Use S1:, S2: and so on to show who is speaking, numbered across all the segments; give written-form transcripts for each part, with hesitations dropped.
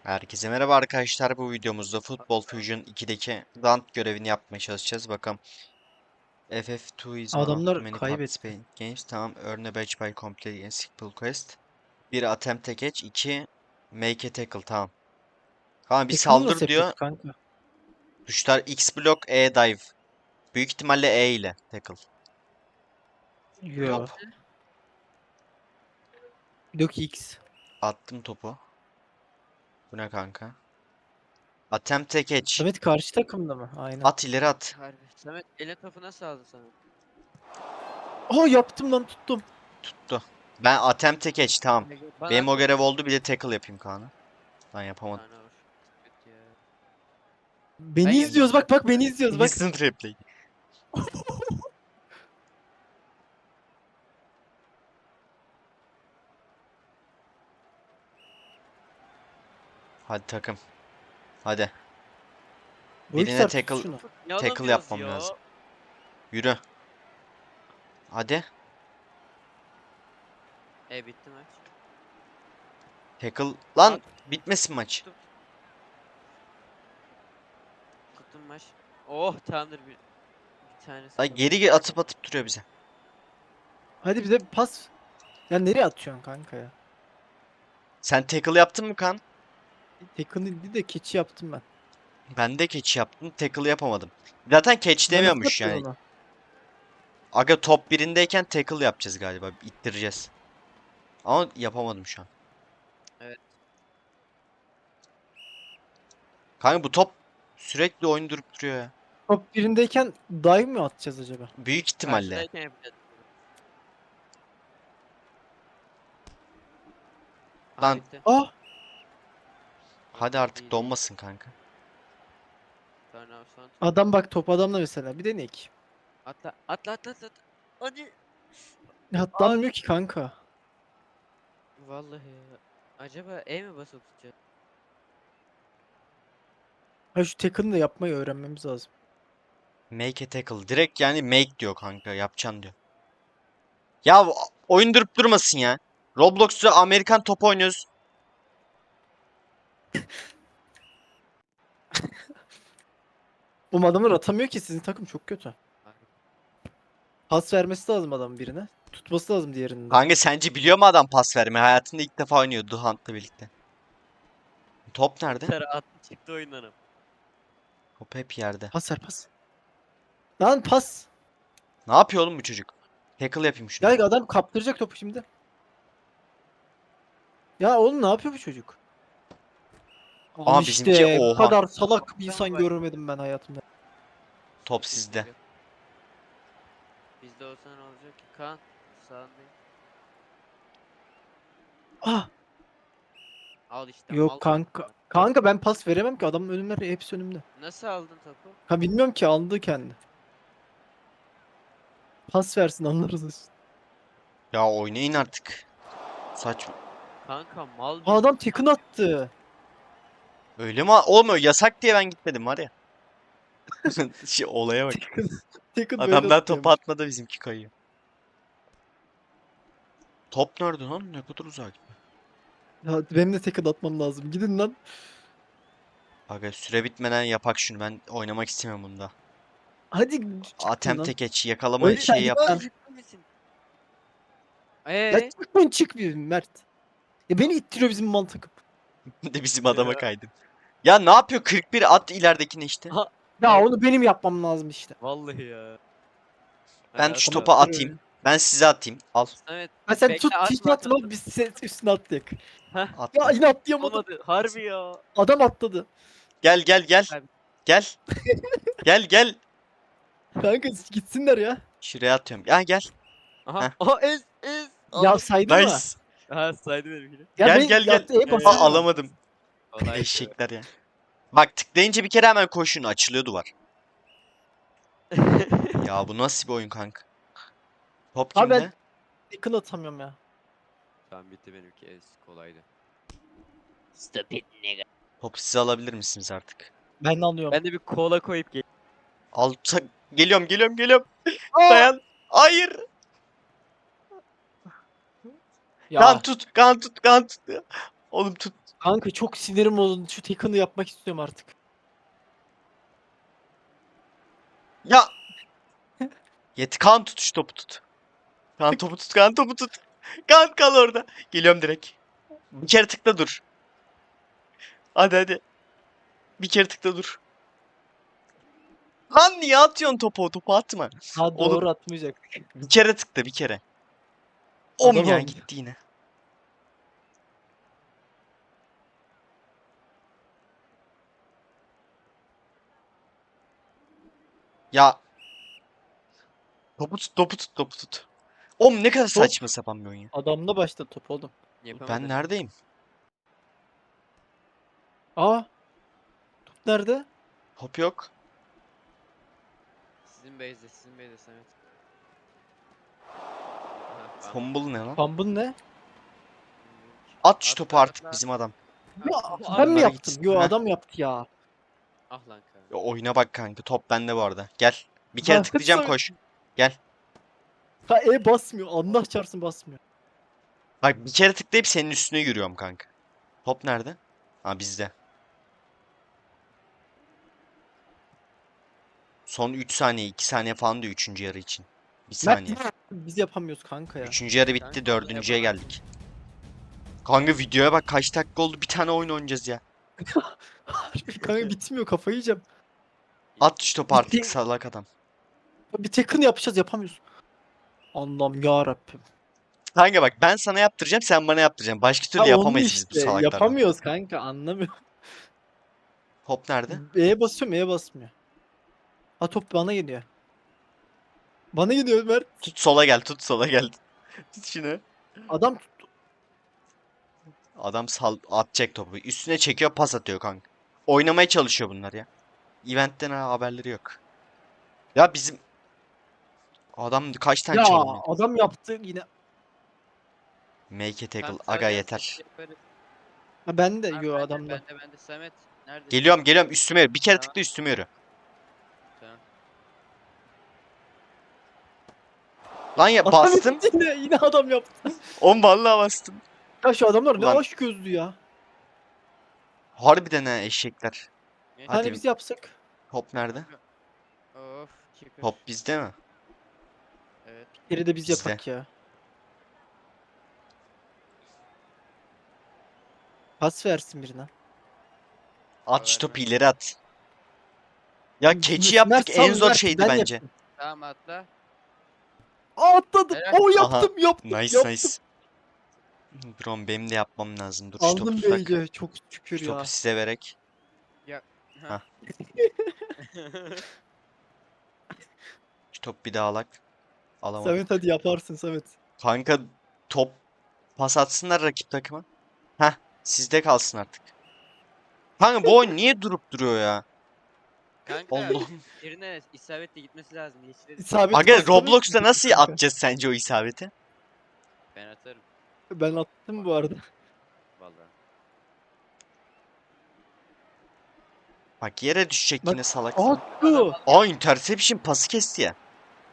S1: Herkese merhaba arkadaşlar. Bu videomuzda Football Fusion 2'deki Dant görevini yapmaya çalışacağız. Bakalım. FF2 is one of the
S2: Adamlar
S1: many
S2: kaybetti.
S1: participating games. Tamam. Earn a badge by completing a simple quest. 1. Attempt a catch. 2. Make a tackle. Tamam. Tamam bir
S2: Tackle'ı nasıl
S1: saldır diyor.
S2: yapıyoruz kanka?
S1: Tuşlar X block, E dive. Büyük ihtimalle E ile tackle.
S2: Yo.
S1: Top.
S2: Block X.
S1: Attım topu. Bu ne kanka? Attempt a catch.
S2: Samet karşı takımda mı? Aynen.
S1: At ileri at.
S3: Harbi. Samet elin topu nasıl aldın Samet?
S2: Aa yaptım lan tuttum.
S1: Tuttu. Ben attempt a catch. Tamam.
S3: Bana
S1: Benim o
S3: atsana.
S1: görev oldu. Bir de tackle yapayım Kaan'a. Ben yapamadım.
S3: Tane var. Kötü ya.
S2: Beni
S3: Ben
S2: izliyoruz
S3: yapacağım.
S2: bak beni izliyoruz bak.
S1: Instant replay. Hadi takım. Hadi. Birine
S2: Boykstar tut
S1: tackle
S2: şunu.
S3: Ne
S1: tackle
S3: alamıyoruz
S1: yapmam
S3: ya?
S1: lazım. Yürü. Hadi.
S3: Bitti maç.
S1: Tackle. Lan
S3: At.
S1: bitmesin maç.
S3: Tuttum. Tuttum maç. Oh tamamdır bir tanesi
S1: Ay
S3: kaldı.
S1: geri atıp atıp duruyor bize.
S2: Hadi bize bir pas. Ya nereye atıyorsun kanka ya?
S1: Sen tackle yaptın mı kan?
S2: Tackle'ı değil de keçi yaptım ben.
S1: Ben de catch yaptım. Tackle yapamadım. Zaten catch
S2: Ben nasıl
S1: demiyormuş
S2: yapacağız
S1: yani.
S2: onu?
S1: Aga top birindeyken tackle yapacağız galiba. İttireceğiz. Ama yapamadım şu an.
S3: Evet.
S1: Kanka bu top sürekli oyun durup duruyor ya.
S2: Top birindeyken dive mi atacağız acaba?
S1: Büyük ihtimalle.
S3: Karşıdayken yapacağız.
S1: Lan
S3: Bitti.
S2: Ah!
S1: hadi
S3: İyi,
S1: artık
S3: iyi.
S1: donmasın kanka.
S3: Sonra son tur.
S2: Adam bak top adamla mesela. Bir deneyek.
S3: Atla atla atla atla. Hadi.
S2: Atlanmıyor ki kanka.
S3: Vallahi ya. Acaba mi basıp tutacağız?
S2: Ha şu tackle'ı da yapmayı öğrenmemiz lazım.
S1: Make a tackle. Direkt yani make diyor kanka. Yapacaksın diyor. Ya oyun durup durmasın ya. Roblox'ta Amerikan top oynuyoruz.
S2: Bu adamlar atamıyor ki sizin takım çok kötü.
S3: Harbi.
S2: Pas vermesi lazım adam birine. Tutması lazım diğerinin de.
S1: Kanka sence biliyor mu adam pas vermeyi? Hayatında ilk defa oynuyor Duhant'la birlikte. Top nerede?
S3: Sarı attı çıktı oyundan.
S1: Top hep yerde.
S2: Pas ver pas. Lan pas.
S1: Ne yapıyor oğlum bu çocuk? Tackle yapayım şunu.
S2: Ya adam kaptıracak topu şimdi. Ya oğlum ne yapıyor bu çocuk? Al
S1: Aa bizimki
S2: işte bu
S1: oha.
S2: kadar salak bir insan
S3: Bak.
S2: görmedim ben hayatımda.
S1: Top sizde.
S3: Bizde olsa ne olacak ki? Kaan sağındayım.
S2: Ah
S3: Al işte mal.
S2: yok kanka. Kanka ben pas veremem ki adamın önümler hepsi önümde.
S3: Nasıl aldın topu?
S2: Ha bilmiyorum ki aldı kendi. Pas versin anlarız işte.
S1: Ya oynayın artık. Saçma.
S3: Kanka mal
S2: Aa, adam tekın attı.
S1: Öyle mi? Olmuyor. Yasak diye ben gitmedim var ya. Olaya bak.
S2: Tekın böyle
S1: Adamlar topu
S2: atıyormuş.
S1: atmadı bizimki kayıyor. Top nerede lan? Ne kadar uzak.
S2: Ya benim de tekın atmam lazım. Gidin lan.
S1: Aga süre bitmeden yapak şunu. Ben oynamak istemiyorum bunda.
S2: Hadi çıkın
S1: Attempt
S2: lan.
S1: geç. Yakalama
S2: Öyle
S1: şeyi
S2: git
S1: yap.
S2: lan.
S3: misin?
S2: Ya çıkmayın çık bir Mert. Ya beni ittiriyor bizim mal takım.
S1: De bizim adama kaydın. Ya ne yapıyor? 41 at ileridekine işte.
S3: Ha,
S2: Ya
S3: evet.
S2: onu benim yapmam lazım işte.
S3: Vallahi ya.
S1: Ben
S3: Hadi
S1: şu
S3: at
S1: topu
S3: abi.
S1: atayım. Ben size atayım. Al.
S3: Evet.
S2: Ha sen
S3: Bekle,
S2: tut
S3: atma,
S2: hiç
S3: atma,
S2: atma
S3: atma.
S2: biz sen üstüne atlayak. Ya
S1: Attım.
S2: yine atlayamadım.
S3: Olmadı. Harbi ya.
S2: Adam atladı.
S1: Gel gel gel.
S3: Abi.
S1: Gel. Gel gel.
S2: Kanka gitsinler ya.
S1: Şuraya atıyorum. Ya gel.
S3: Aha.
S1: Heh.
S3: Aha ez.
S2: Ya
S3: Aldım.
S2: saydı mı?
S1: Nice.
S3: Ha saydı benimkini.
S2: Ya
S1: Gel
S2: ben
S1: gel gel.
S2: yaptı,
S3: Evet.
S2: basıyorum.
S1: Alamadım.
S3: Kolay.
S1: Eşekler ya. Bak tıklayınca bir kere hemen koşun. Açılıyor duvar. Ya bu nasıl bir oyun kanka? Top
S2: Abi ben
S1: kimde?
S2: yakın atamıyorum ya.
S3: Tamam bitti benimki ez. Kolaydı.
S1: Topu size alabilir misiniz artık?
S2: Ben de alıyorum.
S3: Ben de bir kola koyup gel.
S1: Al geliyorum geliyorum geliyorum.
S2: Aa!
S1: Dayan. Hayır.
S2: Ya
S1: Kan tut. Kan tut. Kan tut. Oğlum tut.
S2: Kanka çok sinirim bozuldu. Şu Tekken'ı yapmak istiyorum artık.
S1: Ya. Kaan tut şu topu tut. Kaan topu tut. Kaan topu tut. Kaan kal orada. Geliyorum direkt. Bir kere tıkla dur. Hadi hadi. Bir kere tıkla dur. Lan niye atıyorsun topu? O topu atma.
S2: Ha
S1: Oğlum
S2: doğru atmayacak.
S1: bir kere tıkla bir kere. Om
S2: Adam
S1: ya
S2: aldı.
S1: gitti yine. Ya topu tut topu tut topu tut. Om ne kadar
S2: Top.
S1: saçma sapan bir oyun ya.
S2: Adamla başladı top oğlum.
S3: Yapamadın.
S1: Ben neredeyim?
S2: Aa. Top nerede?
S1: Top yok.
S3: Sizin base'de Samet. Aha,
S1: Fumble ne lan?
S2: Fumble ne?
S1: At şu
S3: Atla,
S1: topu artık
S3: atla.
S1: bizim adam.
S2: Ya
S3: Atla,
S2: ben mi
S1: Onlara
S2: yaptım?
S1: gitsin.
S2: Yo
S1: Heh.
S2: adam yaptı ya.
S3: Ah lan kanka.
S1: Ya oyuna bak kanka. Top bende bu arada. Gel. Bir kere
S2: Ha,
S1: tıklayacağım
S2: Samet.
S1: koş. Gel.
S2: Ha basmıyor. Allah çarpsın basmıyor.
S1: Bak bir kere tıklayıp senin üstüne yürüyorum kanka. Top nerede? Ha bizde. Son 3 saniye 2 saniye falan diyor 3. yarı için. 1
S2: Mert
S1: saniye.
S2: biz yapamıyoruz kanka ya.
S1: 3. yarı bitti
S3: Kanka,
S1: 4.'ye
S3: yapamam.
S1: geldik. Kanka videoya bak kaç dakika oldu bir tane oyun oynayacağız ya.
S2: Kanka bitmiyor kafayı yiyeceğim.
S1: At şu topu artık
S2: Bitti.
S1: salak adam.
S2: Bir Tekken yapacağız yapamıyoruz. Allah'ım yarabbim.
S1: Kanka bak ben sana yaptıracağım sen bana yaptıracaksın. Başka türlü
S2: Ha onu
S1: yapamayız biz bu
S2: işte
S1: salaklarla.
S2: yapamıyoruz kanka anlamıyorum.
S1: Top nerede?
S2: E'ye basıyorum E'ye basmıyor. Ha top bana geliyor. Bana geliyor Mert.
S1: Tut sola gel tut sola gel. Tut şunu.
S2: Adam
S1: Adam atacak topu. Üstüne çekiyor pas atıyor kanka. Oynamaya çalışıyor bunlar ya. Eventten haberleri yok. Ya bizim adam kaç tane
S2: ya
S1: çalım?
S2: adam yaptı yine.
S1: Make a tackle.
S3: Tamam,
S1: Aga
S3: saracağız,
S1: yeter.
S3: yaparız.
S2: Ha ben de
S3: Tamam,
S2: yo
S3: bende,
S2: adamda.
S3: bende Samet. Nerede?
S1: Geliyorum üstüme yürü. Bir kere
S3: Tamam.
S1: tıkla üstüme yürü.
S3: Tamam.
S1: Lan ya
S2: Adam
S1: bastım.
S2: yine adam yaptı.
S1: On vallahi bastım.
S2: Ya şu adamlar ne
S1: Ulan.
S2: aşk gözlü ya.
S1: Harbiden ha eşekler.
S3: Ne?
S1: Hadi.
S2: Hani biz yapsak.
S1: Top nerede?
S3: Of, keeper.
S1: Top bizde mi?
S3: Evet.
S2: Geri de biz
S1: Bizde.
S2: yapak ya. Pas versin birine.
S1: At şu
S3: Verme.
S1: topu ileri at. Ya keçi
S2: Mert
S1: yaptık
S2: sal,
S1: en zor
S2: Mert,
S1: şeydi
S2: ben
S1: bence.
S2: yapayım.
S3: Tamam atla.
S2: Aa atladım.
S3: Helal.
S2: O yaptım yaptım
S1: Nice
S2: yaptım.
S1: nice. Brom benim de yapmam lazım. Dur şu topu
S2: Aldım
S1: tutak.
S2: beyce çok şükür
S1: Şu
S2: ya.
S1: topu size verek.
S3: Ha.
S1: Şu topu bir daha alak. Alamadım.
S2: Samet hadi yaparsın Samet.
S1: Kanka top pas atsınlar rakip takıma. Heh sizde kalsın artık. Kanka bu oyun niye durup duruyor ya?
S3: Kanka
S1: Allah'ım.
S3: birine isabetle gitmesi lazım. Yeşile
S2: İsabet
S1: Aga
S2: paslamıyor
S1: Roblox'ta
S2: ki
S1: nasıl
S2: kanka.
S1: atacağız sence o isabeti?
S3: ben atarım.
S2: Ben attım bu arada.
S3: Vallahi.
S1: Bak yere düşecek
S2: Bak,
S1: yine salak.
S2: Attı.
S1: Aa interception pası kesti ya.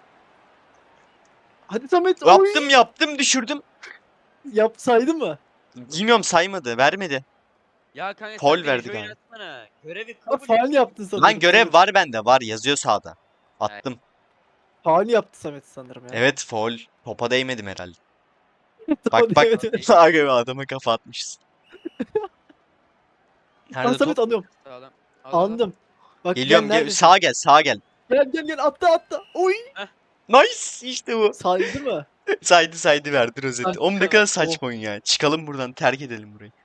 S2: Hadi Samet oy.
S1: Yaptım düşürdüm.
S2: Yapsaydı mı?
S1: Bilmiyorum saymadı vermedi.
S3: Ya kanka
S1: Foul
S3: sen beni
S1: verdi
S3: join
S1: galiba.
S3: atsana. Görevi
S2: Ha,
S3: kabul
S2: faal
S3: et.
S2: yaptın sanırım.
S1: Lan görev
S2: Samet.
S1: var bende var yazıyor sağda. Attım.
S2: Faal yaptı Samet sanırım ya.
S1: Evet foul. Topa değmedim herhalde.
S2: Tamam,
S1: Bak.
S2: evet, evet.
S1: Aga be, adama kafa atmışız.
S2: Lan
S1: Nerede
S2: Samet
S1: top?
S2: anlıyorum.
S3: Sağlam. Al.
S2: Anladım. Bak
S1: Geliyorum
S2: gel neredesin?
S1: sağa gel sağa gel.
S2: Gel attı. Oy.
S1: Nice işte bu.
S2: Saydı mı?
S1: Saydı verdi rozeti.
S2: Kanka,
S1: Oğlum ne kadar
S2: oh.
S1: saçma oyun ya. Çıkalım buradan terk edelim burayı.